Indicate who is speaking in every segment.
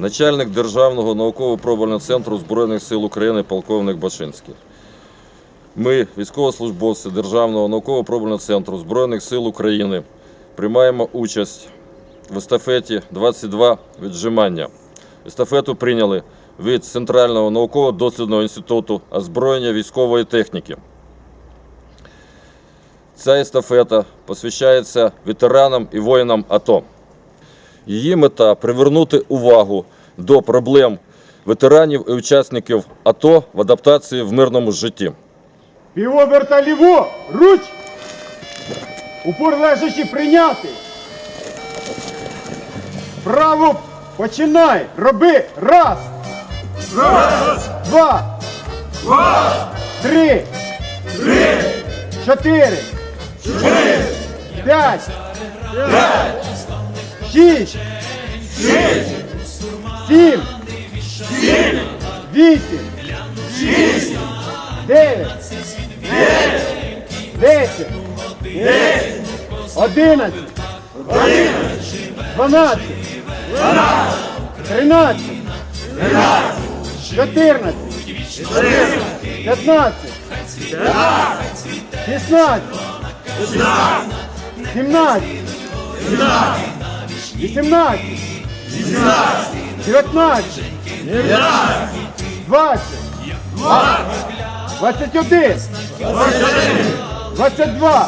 Speaker 1: начальник Державного науково-пробувального центру Збройних сил України полковник Башинський. Ми, військовослужбовці Державного науково-пробувального центру Збройних сил України, приймаємо участь в естафеті 22 віджимання. Естафету прийняли від Центрального науково-дослідного інституту озброєння військової техніки. Ця естафета посвящається ветеранам і воїнам АТО. Її мета – привернути увагу до проблем ветеранів і учасників АТО в адаптації в мирному житті.
Speaker 2: Півоберта ліво, руч! Упор лежачи прийняти. Право починай, роби, раз. Раз. Два. Два. Три. Три. Чотири. Чотири. П'ять. П'ять. Шість. Шість. Сім. Сім. Вісім. Шість. 9, 10, 11, 12, 13, 14, 15, 16, 17, 18, 19, 20, 21, 22,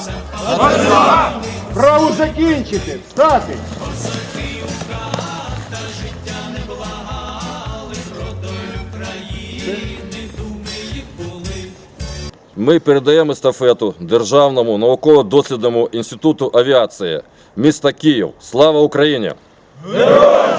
Speaker 2: право закінчити, встати.
Speaker 1: Ми передаємо естафету Державному науково-дослідному інституту авіації міста Київ. Слава Україні!
Speaker 2: Героям